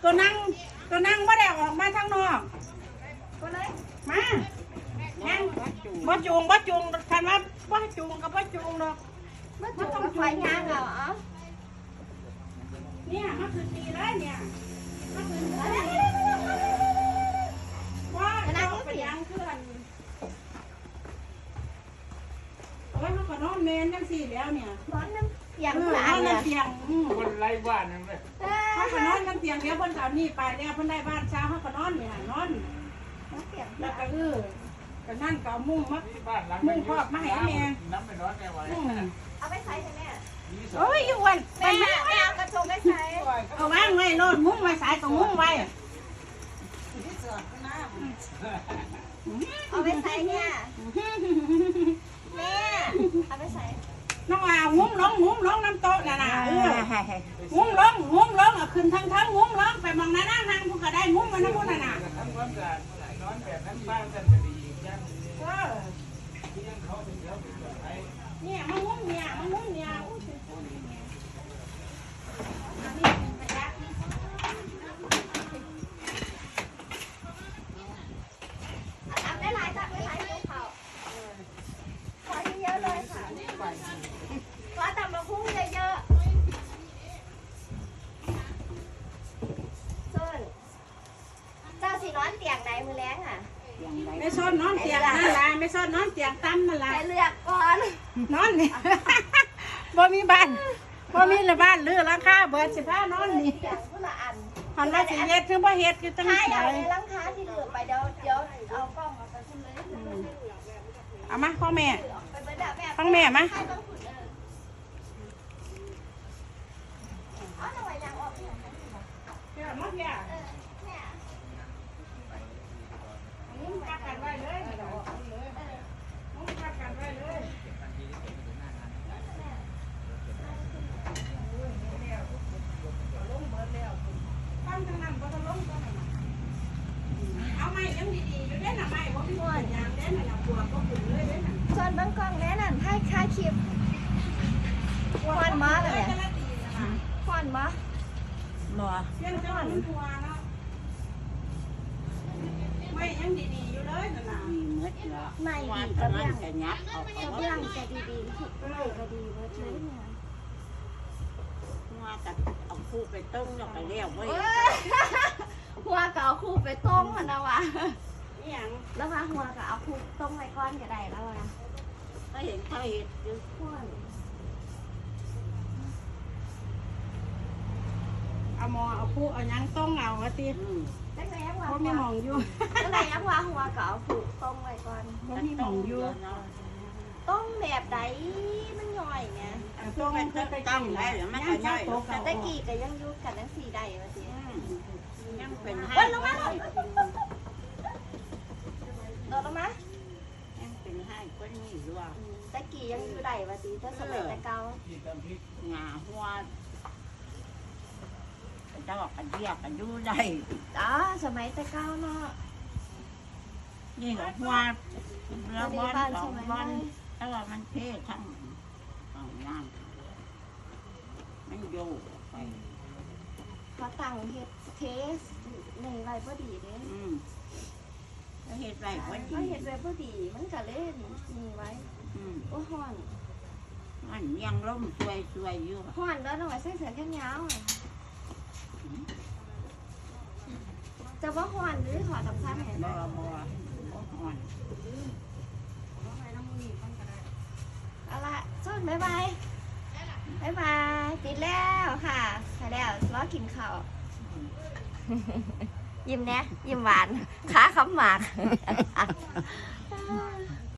ตัวนั่งไม่ได้ออกมาทางนอกก็เลยมานั่งบ่จูงคันว่าบ่จูงกับบ่จูงดอกบ่ต้องไฟยางเหรอเนี่ยมันคือตีเลยเนี่ยมันคือว่าจะไปยางคืออันโอ้ยมันก็นอนเมนจังสี่แล้วเนี่ยนอนน้ำเตียงนอนน้ำเตียงคนไร้บ้านนั่นเลยเขาก็นอนน้ำเตียงเดี๋ยวเพิ่นเอานี่ไปแล้วเพิ่นได้บ้านเช้าเขาก็นอนเนี่ยนอนแล้วก็ก็นั่นก็มุ่งมัดมุ่งครอบมาให้แม่น้ำไม่ร้อนแม่ไหวเอาไปใส่แม่โอ้ยอยู่วันแม่เอากระทงไปใส่เอาวางไว้โน่นมุ้งไว้สายก็มุ้งไว้เอาไปใส่เนี่ยแม่เอาไปใส่น้องอ่ะงุ้งลงน้ำโต๊ะน่ะงุ้งลงเอาขึ้นทั้งงุ้งลงไปมองหน้านั่งพวกก็ได้งุ้งมาน้ำมันน่ะทำความสะอาดนอนแบบนั้นบ้านกันจะดียังยังเขาเป็นเดี๋ยวเป็นแบบไหนเนี่ยมันงุ้งเนี่ยตักได้หลายเยอะเขาขอเยอะเลยค่ะขอตำมะพุ้งเยอะๆส่วนเจ้าสีนอนเตียงไหนมือแรงอ่ะไม่ซ่อนนอนเตียงนั่นแหละไม่ซ่อนนอนเตียงตั้มนั่นแหละไปเลือกก่อนนอนนี่บ่มีบ้านเรือราคาเบิด15นอนนี่หันว่าสิเฮ็ดคือบ่เฮ็ดคือจังได๋ใช่ลังค้าที่เหลือไปเดี๋ยวเอากล้องมาไปขึ้นเลยเอามาพ่อแม่ฟังแม่มาเอาหน่อยยางออกที่ไหนเดี๋ยวมาเดี๋ยวมึงกักกันไว้เลยเดี๋ยวออกเลยมึงกักกันไว้เลยตั้งทางนั้นบ่ต้องลงก็ได้เอาไม้ยังดีๆอยู่เด้น่ะไม้บ่มีหัวยางเด้น่ะปวดบ่ขึ้นเลยเด้น่ะส่วนบางกล้องแน่นั่นให้ค่าคลิปควันมาเลยควันมาบ่เสียงจังมันหัวเนาะไม้ยังดีๆอยู่เลยนั่นน่ะหมดแล้วไม่ดีก็เรื่องจะยับเอาเรื่องจะดีๆทุกเรื่องก็ดีเบิดเลยเนี่ยว่ากับเอาคู่ไปต้มแล้วก็เลี้ยวไว้หัวก็เอาคู่ไปต้มมันนะวะนี่หยังแล้วว่าหัวก็เอาคู่ต้มไว้ก้อนก็ได้แล้ววะก็เห็นเขาเห็นอยู่ข้นเอาหมอเอาคู่เอาหยังต้องเอาว่าติได้ไหมยังว่าบ่มีหม่องอยู่ได้ไหมยังว่าหัวก็เอาคู่ต้มไว้ก่อนบ่มีหม่องอยู่ต้มแบบใดมันย่อยเนี่ยต้องมันก็ต้องได้มันก็ย่อยตะกี้ก็ยังอยู่กันทั้ง4ใดว่าสิยังเป็นให้วันลงมาโดดลงมายังเป็นให้ก็นี่ด้วยตะกี้ยังอยู่ใดว่าสิถ้าสมัยแต่เก่าหงาหัวจะบอกกันเรียกกันอยู่ได้สมัยแต่เก่าเนาะนี่ก็หัวแล้ววันแต่ว่ามันเท่ทั้งของน้ำมันโยกไปเขาตั้งเฮ็ดเทสในไรบ่ดีเด้แล้วเฮ็ดไรบ่ดีเขาเฮ็ดไรบ่ดีมันก็เล่นมีไว้โอ้ฮ้อนมันยังล้มสวยอยู่ฮ้อนแล้วหน่อยใส่เสื้อแขนยาวจะว่าฮ้อนหรือถอดสำคัญเห็นบ่ฮ้อนเอาละส่วนบ๊ายบายติดแล้วค่ะไปแล้วรอกินข้าวยิ้มแน่ยิ้มหวานขาคำหมาก